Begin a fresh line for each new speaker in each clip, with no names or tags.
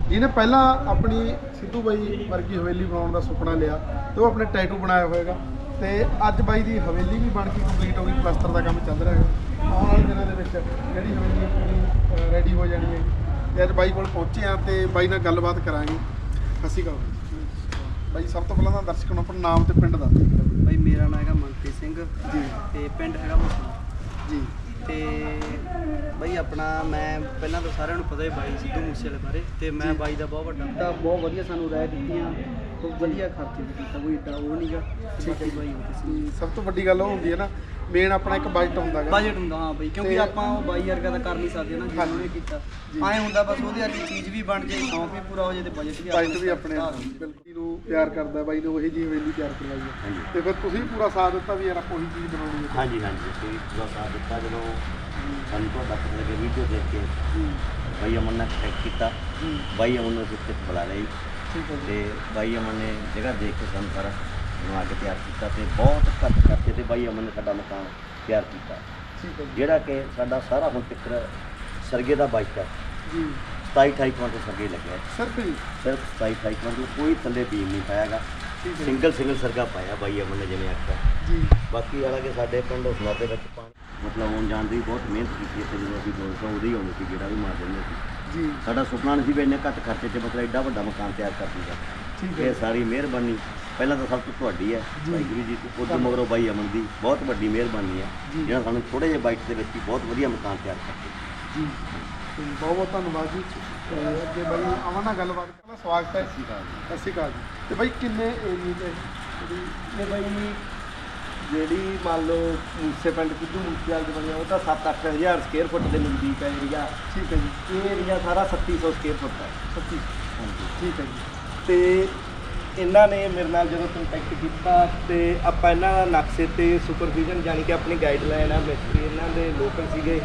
ਜਿਹਨੇ ਪਹਿਲਾਂ ਆਪਣੀ ਸਿੱਧੂ ਬਾਈ ਵਰਗੀ ਹਵੇਲੀ ਬਣਾਉਣ ਦਾ ਸੁਪਨਾ ਲਿਆ ਤੇ ਉਹ ਆਪਣੇ ਟੈਟੂ ਬਣਾਇਆ ਹੋਏਗਾ ਤੇ ਅੱਜ ਬਾਈ ਦੀ ਹਵੇਲੀ ਵੀ ਬਣ ਕੇ ਕੰਪਲੀਟ ਹੋ ਗਈ, ਪਲਸਤਰ ਦਾ ਕੰਮ ਚੱਲ ਰਿਹਾ ਹੈ। ਆਉਣ ਵਾਲੇ ਦਿਨਾਂ ਦੇ ਵਿੱਚ ਜਿਹੜੀ ਹਵੇਲੀ ਪੂਰੀ ਰੈਡੀ ਹੋ ਜਾਣੀ ਹੈ ਤੇ ਅੱਜ ਬਾਈ ਕੋਲ ਪਹੁੰਚੇ ਆ ਤੇ ਬਾਈ ਨਾਲ ਗੱਲਬਾਤ ਕਰਾਂਗੇ। ਸਤਿ ਸ਼੍ਰੀ ਅਕਾਲ ਬਾਈ। ਸਭ ਤੋਂ ਪਹਿਲਾਂ ਤਾਂ ਦਰਸ਼ਕਾਂ ਨੂੰ ਆਪਣਾ ਨਾਮ ਤੇ ਪਿੰਡ ਦੱਸ ਦਿਓ।
ਬਾਈ ਮੇਰਾ ਨਾਮ ਹੈਗਾ ਮਨਪ੍ਰੀਤ ਸਿੰਘ
ਜੀ
ਤੇ ਪਿੰਡ ਹੈਗਾ ਮੁਸਲਾ
ਜੀ।
ਤੇ ਬਾਈ ਆਪਣਾ ਮੈਂ ਪਹਿਲਾਂ ਤਾਂ ਸਾਰਿਆਂ ਨੂੰ ਪਤਾ ਹੀ ਬਾਈ ਸਿੱਧੂ ਮੂਸੇਵਾਲੇ ਬਾਰੇ ਤੇ ਮੈਂ ਬਾਈ ਦਾ ਬਹੁਤ ਵੱਡਾ ਤਾਂ ਬਹੁਤ ਵਧੀਆ ਸਾਨੂੰ ਰਾਏ ਦਿੱਤੀਆਂ, ਬਹੁਤ ਵਧੀਆ ਖਰਚੇ ਕੀਤਾ, ਕੋਈ ਏਡਾ ਉਹ ਨਹੀਂਗਾ। ਠੀਕ ਹੈ ਬਾਈ।
ਸਭ ਤੋਂ ਵੱਡੀ ਗੱਲ ਉਹ ਹੁੰਦੀ ਹੈ ਨਾ, ਮੇਨ ਆਪਣਾ ਇੱਕ ਬਜਟ ਹੁੰਦਾ ਹੈਗਾ।
ਬਜਟ ਹੁੰਦਾ ਹਾਂ ਬਾਈ, ਕਿਉਂਕਿ ਆਪਾਂ ਉਹ ਬਾਈ ਵਰਗਾ ਤਾਂ ਕਰ ਨਹੀਂ ਸਕਦੇ ਨਾ ਜਿਵੇਂ ਉਹਨੇ ਕੀਤਾ। ਐਂ ਹੁੰਦਾ ਬਸ ਉਹਦੇ ਵਰਗੀ ਚੀਜ਼ ਵੀ ਬਣ ਜਾਏ, ਸ਼ੌਂਕ ਵੀ ਪੂਰਾ ਹੋ ਜਾਏ ਤੇ ਬਜਟ ਵੀ
ਆਪਣੇ ਬਿਲਕੁਲ ਨੂੰ ਪਿਆਰ ਕਰਦਾ ਬਾਈ ਨੇ, ਉਹੀ ਜੀ ਹਵੇਲੀ ਤਿਆਰ ਕਰਵਾਈ ਹੈ ਤੇ ਫਿਰ ਤੁਸੀਂ ਪੂਰਾ ਸਾਥ ਦਿੱਤਾ ਵੀ ਯਾਰ ਆਪਾਂ ਉਹੀ ਚੀਜ਼ ਬਣਾਉਣੀ ਹੈ।
ਹਾਂਜੀ ਹਾਂਜੀ, ਅਸੀਂ ਪੂਰਾ ਸਾਥ ਦਿੱਤਾ। ਜਦੋਂ ਸਾਨੂੰ ਤੁਹਾਡਾ ਪਤਾ ਲੱਗਿਆ ਵੀਡੀਓ ਦੇਖ ਕੇ ਬਾਈ ਅਮਨ ਨੇ ਕੰਟੈਕਟ ਕੀਤਾ, ਬਾਈ ਅਮਨ ਨੂੰ ਅਸੀਂ ਬੁਲਾ ਲਈ ਤੇ ਬਾਈ ਅਮਨ ਨੇ ਜਗ੍ਹਾ ਦੇਖ ਕੇ ਸਾਨੂੰ ਸਾਰਾ ਬਣਾ ਕੇ ਤਿਆਰ ਕੀਤਾ ਤੇ ਬਹੁਤ ਘੱਟ ਖਰਚੇ ਤੇ ਬਾਈ ਅਮਨ ਨੇ ਸਾਡਾ ਮਕਾਨ ਤਿਆਰ ਕੀਤਾ, ਜਿਹੜਾ ਕਿ ਸਾਡਾ ਸਾਰਾ ਹੁਣ ਤੱਕ ਸਰਗੇ ਦਾ ਬਜਟ ਹੈ ਜੀ 27-28 ਕੁਇੰਟਲ ਸਰਗੇ ਲੱਗਿਆ ਸਿਰਫ 27-28 ਕੁਇੰਟਲ, ਕੋਈ ਥੱਲੇ ਬੀਮ ਨਹੀਂ ਪਾਇਆਗਾ, ਸਿੰਗਲ ਸਰਗਾ ਪਾਇਆ ਬਾਈ ਅਮਨ ਨੇ ਜਿਵੇਂ ਆਖਿਆ ਜੀ। ਬਾਕੀ ਵਾਲਾ ਕਿ ਸਾਡੇ ਪਿੰਡ ਉਸਮਾ ਦੇ ਵਿੱਚ ਪਾਣੀ ਮਤਲਬ ਆਉਣ ਜਾਣ ਦੀ ਬਹੁਤ ਮਿਹਨਤ ਕੀਤੀ ਇੱਥੇ, ਜਦੋਂ ਅਸੀਂ 200 ਉਹਦੇ ਹੀ ਆਉਂਦੇ ਸੀ, ਜਿਹੜਾ ਵੀ ਮਾਰ ਦਿੰਦੇ ਸੀ ਜੀ। ਸਾਡਾ ਸੁਪਨਾ ਨਹੀਂ ਸੀ ਵੀ ਇੰਨੇ ਘੱਟ ਖਰਚੇ 'ਚ ਮਤਲਬ ਐਡਾ ਵੱਡਾ ਮਕਾਨ ਤਿਆਰ ਕਰ ਦੂਗਾ। ਇਹ ਸਾਰੀ ਮਿਹਰਬਾਨੀ ਪਹਿਲਾਂ ਤਾਂ ਸਭ ਤੋਂ ਤੁਹਾਡੀ ਹੈ ਵਾਹਿਗੁਰੂ ਜੀ, ਉਦੋਂ ਮਗਰੋਂ ਬਾਈ ਅਮਨ ਦੀ ਬਹੁਤ ਵੱਡੀ ਮਿਹਰਬਾਨੀ ਹੈ ਜਿਹੜਾ ਸਾਨੂੰ ਥੋੜ੍ਹੇ ਜਿਹੇ ਬਾਈਟ ਦੇ ਵਿੱਚ ਹੀ ਬਹੁਤ ਵਧੀਆ ਮਕਾਨ ਤਿਆਰ ਕਰਦੇ ਜੀ।
ਬਹੁਤ ਬਹੁਤ ਧੰਨਵਾਦ ਜੀ। ਅੱਗੇ ਬਾਈ ਅਮਨ ਨਾਲ ਗੱਲਬਾਤ ਕਰਨਾ, ਸਵਾਗਤ ਹੈ। ਸਤਿ ਸ਼੍ਰੀ ਅਕਾਲ ਜੀ। ਤੇ ਬਾਈ ਕਿੰਨੇ ਏਰੀਏ 'ਚ
ਇਹ ਬਾਈ ਜਿਹੜੀ ਮੰਨ ਲਓ ਮੂਸੇ ਪਿੰਡ ਸਿੱਧੂ ਮੂਸੇਵਾਲੇ ਦੇ ਬਣਿਆ ਉਹ ਤਾਂ 7-8 ਹਜ਼ਾਰ ਸਕੁਅਰ ਫੁੱਟ ਦੇ ਨਜ਼ਦੀਕ ਹੈ ਏਰੀਆ।
ਠੀਕ ਹੈ ਜੀ।
ਇਹ ਏਰੀਆ ਸਾਰਾ 3700 ਸਕੁਅਰ ਫੁੱਟ ਹੈ।
37
ਹਾਂਜੀ
ਠੀਕ ਹੈ ਜੀ।
ਤੇ ਇਹਨਾਂ ਨੇ ਮੇਰੇ ਨਾਲ ਜਦੋਂ ਕੰਟੈਕਟ ਕੀਤਾ ਤੇ ਆਪਾਂ ਇਹਨਾਂ ਦਾ ਨਕਸ਼ੇ ਤੇ ਸੁਪਰਵਿਜ਼ਨ ਜਾਣੀ ਕਿ ਆਪਣੀ ਗਾਈਡਲਾਈਨ ਆ, ਮਿਸਤਰੀ ਇਹਨਾਂ ਦੇ ਲੋਕਲ ਸੀਗੇ।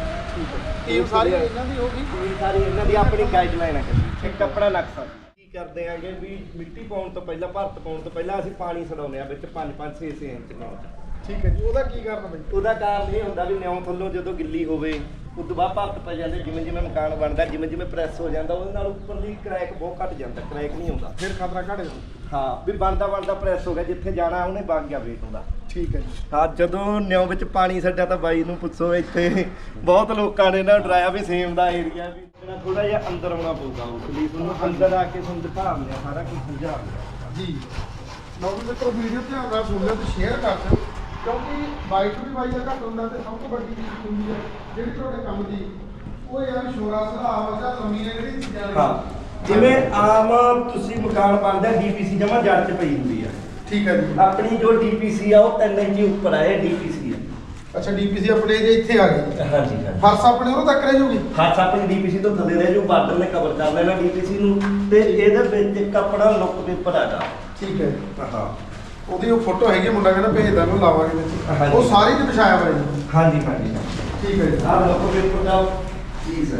ਇਹ ਸਾਰੀ ਇਹਨਾਂ ਦੀ ਹੋ ਗਈ,
ਇਹ ਸਾਰੀ ਇਹਨਾਂ ਦੀ ਆਪਣੀ ਗਾਈਡਲਾਈਨ ਹੈ। ਇੱਕ ਆਪਣਾ ਨਕਸ਼ਾ ਕੀ ਕਰਦੇ ਆਂਗੇ ਵੀ ਮਿੱਟੀ ਪਾਉਣ ਤੋਂ ਪਹਿਲਾਂ, ਭਰਤ ਪਾਉਣ ਤੋਂ ਪਹਿਲਾਂ ਅਸੀਂ ਪਾਣੀ ਛਡਾਉਂਦੇ ਆ ਵਿੱਚ 5-5 6 ਇੰਚ ਨਾਲ।
ਠੀਕ ਹੈ ਜੀ। ਉਹਦਾ ਕੀ ਕਾਰਨ ਬਈ?
ਉਹਦਾ ਕਾਰਨ ਇਹ ਹੁੰਦਾ ਵੀ ਨਿਉਂ ਥੱਲੋਂ ਜਦੋਂ ਗਿੱਲੀ ਹੋਵੇ ਉਦੋਂ ਬਾਅਦ ਭਰਤ ਪੈ ਜਾਂਦੇ, ਜਿਵੇਂ ਜਿਵੇਂ ਮਕਾਨ ਬਣਦਾ, ਜਿਵੇਂ ਜਿਵੇਂ ਪ੍ਰੈਸ ਹੋ ਜਾਂਦਾ, ਉਹਦੇ ਨਾਲ ਉੱਪਰਲੀ ਕਰੈਕ ਬਹੁਤ ਘੱਟ ਜਾਂਦਾ, ਕਰੈਕ ਨਹੀਂ ਆਉਂਦਾ,
ਫਿਰ ਖਤਰਾ ਘੱਟ ਜਾਂਦਾ।
ਹਾਂ ਵੀ ਬਣਦਾ ਪ੍ਰੈਸ ਹੋ ਗਿਆ, ਜਿੱਥੇ ਜਾਣਾ ਉਹਨੇ ਵਗ ਗਿਆ ਵੇਟ ਉਹਦਾ।
ਠੀਕ ਹੈ ਜੀ।
ਹਾਂ ਜਦੋਂ ਨਿਉਂ ਵਿੱਚ ਪਾਣੀ ਛੱਡਿਆ ਤਾਂ ਬਾਈ ਨੂੰ ਪੁੱਛੋ, ਇੱਥੇ ਬਹੁਤ ਲੋਕਾਂ ਨੇ ਨਾ ਡਰਾਇਆ ਵੀ ਸੇਮ ਦਾ ਏਰੀਆ ਵੀ ਥੋੜਾ ਜਿਹਾ ਅੰਦਰ ਆਉਣਾ ਪਊਗਾ, ਉਸ ਲਈ ਤੁਹਾਨੂੰ ਅੰਦਰ ਆ ਕੇ ਤੁਹਾਨੂੰ ਦਿਖਾ ਲਿਆ ਸਾਰਾ ਕੁਝ ਸਮਝਾ ਲਿਆ ਜੀ।
ਲੋਕ ਮਿੱਤਰੋ ਵੀਡੀਓ ਧਿਆਨ ਨਾਲ ਸੁਣ ਲਿਓ ਤੇ ਸ਼ੇਅਰ ਕਰ ਦਿਓ, ਕਿਉਂਕਿ ਬਾਈਕ ਵੀ ਬਾਈ ਦਾ ਘੱਟ ਹੁੰਦਾ ਤੇ ਸਭ ਤੋਂ ਵੱਡੀ ਚੀਜ਼ ਹੁੰਦੀ ਹੈ ਜਿਹੜੀ ਤੁਹਾਡੇ ਕੰਮ ਦੀ, ਉਹ ਇਹ ਆ ਵੀ ਸ਼ੋਰਾ ਸੁਭਾਅ ਜਾਂ ਲੰਮੀ ਨੇ ਜਿਹੜੀ ਚੀਜ਼ਾਂ ਨੇ।
ਹਾਂ ਜਿਵੇਂ ਆਮ ਤੁਸੀਂ ਮਕਾਨ ਬਣਦਾ ਡੀਪੀਸੀ ਜਮਾ ਜੜ 'ਚ ਪਈ ਹੁੰਦੀ ਆ।
ਠੀਕ ਹੈ ਜੀ।
ਆਪਣੀ ਜੋ ਡੀਪੀਸੀ ਆ ਉਹ 3 ਇੰਚ ਉੱਪਰ ਆ, ਇਹ ਡੀਪੀਸੀ ਆ।
ਅੱਛਾ ਡੀਪੀਸੀ ਆਪਣੇ ਜੇ ਇੱਥੇ ਆ ਗਈ।
ਹਾਂਜੀ
ਫਰਸ਼ ਆਪਣੇ ਉਰੋਂ ਤੱਕ ਰਹਿ ਜੂਗੀ।
ਫਰਸ਼ ਆਪਣੀ ਡੀਪੀਸੀ ਤੋਂ ਥੱਲੇ ਰਹਿ ਜੂ, ਬਾਰਡਰ ਨੇ ਕਵਰ ਕਰ ਲੈਣਾ ਡੀਪੀਸੀ ਨੂੰ ਤੇ ਇਹਦੇ ਵਿੱਚ ਇੱਕ ਆਪਣਾ ਲੁੱਕ ਪੇਪਰ ਆਗਾ।
ਠੀਕ ਹੈ।
ਹਾਂ
ਉਹਦੀ ਉਹ ਫੋਟੋ ਹੈਗੀ, ਮੁੰਡਾ ਕਹਿੰਦਾ ਭੇਜਦਾ ਨੂੰ ਲਾਵਾਂਗੇ ਵਿੱਚ, ਉਹ ਸਾਰੀ ਤੇ ਵਿਛਾਇਆ ਹੋਇਆ ਜੀ।
ਹਾਂਜੀ
ਠੀਕ ਹੈ ਜੀ।
ਆਹ ਲੁੱਕ ਪੇਪਰ ਦਾ ਚੀਜ਼ ਹੈ।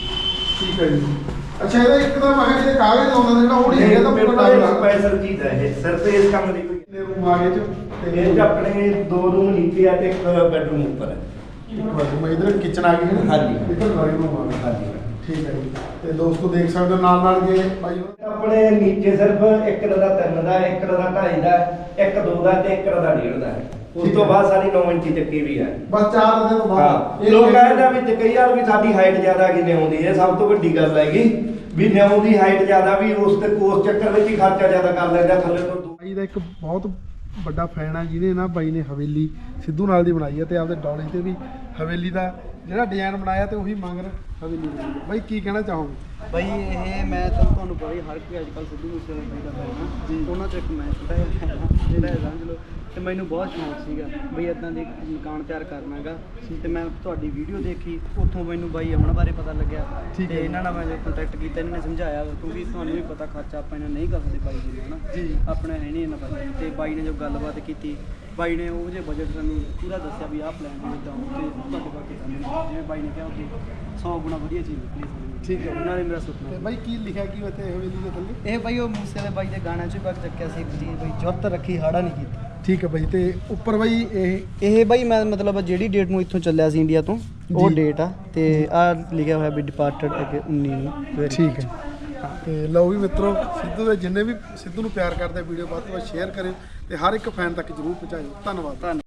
ਠੀਕ ਹੈ ਜੀ। ਅੱਛਾ ਇਹਦਾ ਇੱਕ ਤਾਂ ਮੈਂ ਜਿਹੜੇ ਕਾਗਜ਼ ਲਾਉਂਦਾ ਜਿਹੜਾ ਉਹ ਨਹੀਂ ਹੈਗਾ ਤਾਂ ਪੂਰਾ ਲੱਗਦਾ
ਸਪੈਸ਼ਲ ਚੀਜ਼ ਹੈ ਇਹ, ਸਿਰਫ ਇਸ ਕੰਮ ਦੀ ਕੋਈ।
ਕਿੰਨੇ ਰੂਮ ਆ ਗਏ ਚ?
ਇਹ 'ਚ ਆਪਣੇ 2 ਰੂਮ ਨੀਚੇ ਆ ਤੇ ਇੱਕ ਬੈਡਰੂਮ ਉੱਪਰ ਹੈ।
ਮੈਂ ਇਧਰ ਕਿਚਨ ਆ ਗਈ ਹੈ ਨਾ।
ਹਾਂਜੀ
ਇੱਧਰ ਡਰਾਇੰਗ ਰੂਮ ਆ ਗਿਆ।
ਹਾਂਜੀ
ਠੀਕ ਹੈ ਜੀ। ਤੇ ਦੋਸਤੋ ਦੇਖ ਸਕਦੇ ਹੋ ਨਾਲ ਜੇ ਬਾਈ
ਆਪਣੇ ਨੀਚੇ ਸਿਰਫ ਇੱਕ ਦਾ 3 ਦਾ, ਇੱਕ ਦਾ 2.5 ਦਾ, ਇੱਕ 2 ਦਾ ਤੇ ਇੱਕ ਦਾ 1.5 ਦਾ ਹੈ। ਉਸ ਤੋਂ ਬਾਅਦ ਸਾਰੀ 9 ਇੰਚੀ ਚੱਕੀ ਵੀ ਹੈ।
ਬਸ 4 ਦਿਨ ਤੋਂ ਬਾਅਦ।
ਹਾਂ ਲੋਕ ਕਹਿੰਦੇ ਵਿੱਚ ਕਈ ਵਾਰ ਵੀ ਸਾਡੀ ਹਾਈਟ ਜ਼ਿਆਦਾ ਕਿ ਨਿਉਂ ਦੀ, ਇਹ ਸਭ ਤੋਂ ਵੱਡੀ ਗੱਲ ਹੈਗੀ ਵੀ ਨਿਉਂ ਦੀ ਹਾਈਟ ਜ਼ਿਆਦਾ ਵੀ ਉਸ ਤੇ ਕੋਸ ਚੱਕਰ ਵਿੱਚ ਹੀ ਖਰਚਾ ਜ਼ਿਆਦਾ ਕਰ ਲੈਂਦਾ ਥੱਲੇ ਤੋਂ।
ਬਾਈ ਦਾ ਇੱਕ ਬਹੁਤ ਵੱਡਾ ਫੈਨ ਆ ਜਿਹਨੇ ਨਾ ਬਾਈ ਨੇ ਹਵੇਲੀ ਸਿੱਧੂ ਨਾਲ ਦੀ ਬਣਾਈ ਹੈ ਤੇ ਆਪਦੇ ਡੌਲੇ ਤੇ ਵੀ ਹਵੇਲੀ ਦਾ ਜਿਹੜਾ ਡਿਜ਼ਾਈਨ ਬਣਾਇਆ ਤੇ ਉਹੀ ਮੰਗਰ ਹਵੇਲੀ ਬਣਾਈ। ਬਾਈ ਕੀ ਕਹਿਣਾ ਚਾਹੋਗੇ?
ਬਾਈ ਇਹ ਮੈਂ ਤੁਹਾਨੂੰ ਪਤਾ ਹੀ ਹਰ ਕੋਈ ਅੱਜ ਕੱਲ੍ਹ ਸਿੱਧੂ ਮੂਸੇਵਾਲੇ ਬਾਈ ਦਾ ਫੈਨ ਆ ਜੀ। ਉਹਨਾਂ 'ਚ ਇੱਕ ਮੈਂ ਛੋਟਾ ਜਿਹਾ ਜਿਹੜਾ ਸਮਝ ਲਓ, ਤੇ ਮੈਨੂੰ ਬਹੁਤ ਸ਼ੌਂਕ ਸੀਗਾ ਬਈ ਇੱਦਾਂ ਦੇ ਮਕਾਨ ਤਿਆਰ ਕਰਨਾਗਾ। ਤੇ ਮੈਂ ਤੁਹਾਡੀ ਵੀਡੀਓ ਦੇਖੀ, ਉੱਥੋਂ ਮੈਨੂੰ ਬਾਈ ਅਮਨ ਬਾਰੇ ਪਤਾ ਲੱਗਿਆ ਤੇ ਇਹਨਾਂ ਨਾਲ ਮੈਂ ਜੋ ਕੰਟੈਕਟ ਕੀਤਾ, ਇਹਨਾਂ ਨੇ ਸਮਝਾਇਆ, ਕਿਉਂਕਿ ਤੁਹਾਨੂੰ ਵੀ ਪਤਾ ਖਰਚਾ ਆਪਾਂ ਇਹਨਾਂ ਨਹੀਂ ਕਰ ਸਕਦੇ ਬਾਈ ਜੀ ਨੂੰ, ਹੈ ਨਾ ਜੀ। ਆਪਣੇ ਹੈ ਨਹੀਂ ਇਹਨਾਂ ਬਾਈ ਤੇ ਬਾਈ ਨੇ ਜੋ ਗੱਲਬਾਤ ਕੀਤੀ, ਬਾਈ ਨੇ ਉਹ ਜਿਹੇ ਬਜਟ ਸਾਨੂੰ ਪੂਰਾ ਦੱਸਿਆ ਵੀ ਆਹ ਪਲਾਨ ਹੈ ਇੱਦਾਂ, ਤੇ ਤੁਹਾਡੇ ਬਾਕੀ ਸਾਨੂੰ ਜਿਵੇਂ ਬਾਈ ਨੇ ਕਿਹਾ ਕਿ 100 ਗੁਣਾ ਵਧੀਆ ਚੀਜ਼ ਨਿਕਲੀ ਸਾਨੂੰ। ਠੀਕ ਹੈ। ਉਹਨਾਂ ਨੇ ਮੇਰਾ ਸੁਪਨਾ।
ਤੇ ਬਾਈ ਕੀ ਲਿਖਿਆ ਕੀ ਇੱਥੇ ਹਵੇਲੀ ਦੇ ਥੱਲੇ?
ਇਹ ਬਾਈ ਉਹ ਮੂਸੇਵਾਲੇ ਬਾਈ ਦੇ ਗਾਣਿਆਂ 'ਚ ਵੀ ਚੱਕਿਆ ਸੀ ਇੱਕ ਚੀਜ਼, ਬਾਈ ਜੁੱਤ ਰੱਖੀ ਹਾੜਾ ਨਹੀਂ ਕੀਤੀ।
ਠੀਕ ਹੈ ਬਾਈ। ਤੇ ਉੱਪਰ ਬਾਈ
ਇਹ ਬਾਈ ਮੈਂ ਮਤਲਬ ਜਿਹੜੀ ਡੇਟ ਨੂੰ ਇੱਥੋਂ ਚੱਲਿਆ ਸੀ ਇੰਡੀਆ ਤੋਂ, ਉਹ ਡੇਟ ਆ ਤੇ ਆਹ ਲਿਖਿਆ ਹੋਇਆ ਵੀ ਡਿਪਾਰਟਡ 19 ਨੂੰ।
ਠੀਕ ਹੈ। ਤੇ ਲਓ ਵੀ ਮਿੱਤਰੋ, ਸਿੱਧੂ ਦੇ ਜਿੰਨੇ ਵੀ ਸਿੱਧੂ ਨੂੰ ਪਿਆਰ ਕਰਦੇ ਵੀਡੀਓ ਵੱਧ ਤੋਂ ਵੱਧ ਸ਼ੇਅਰ ਕਰਿਓ ਤੇ ਹਰ ਇੱਕ ਫੈਨ ਤੱਕ ਜਰੂਰ ਪਹੁੰਚਾਇਓ। ਧੰਨਵਾਦ।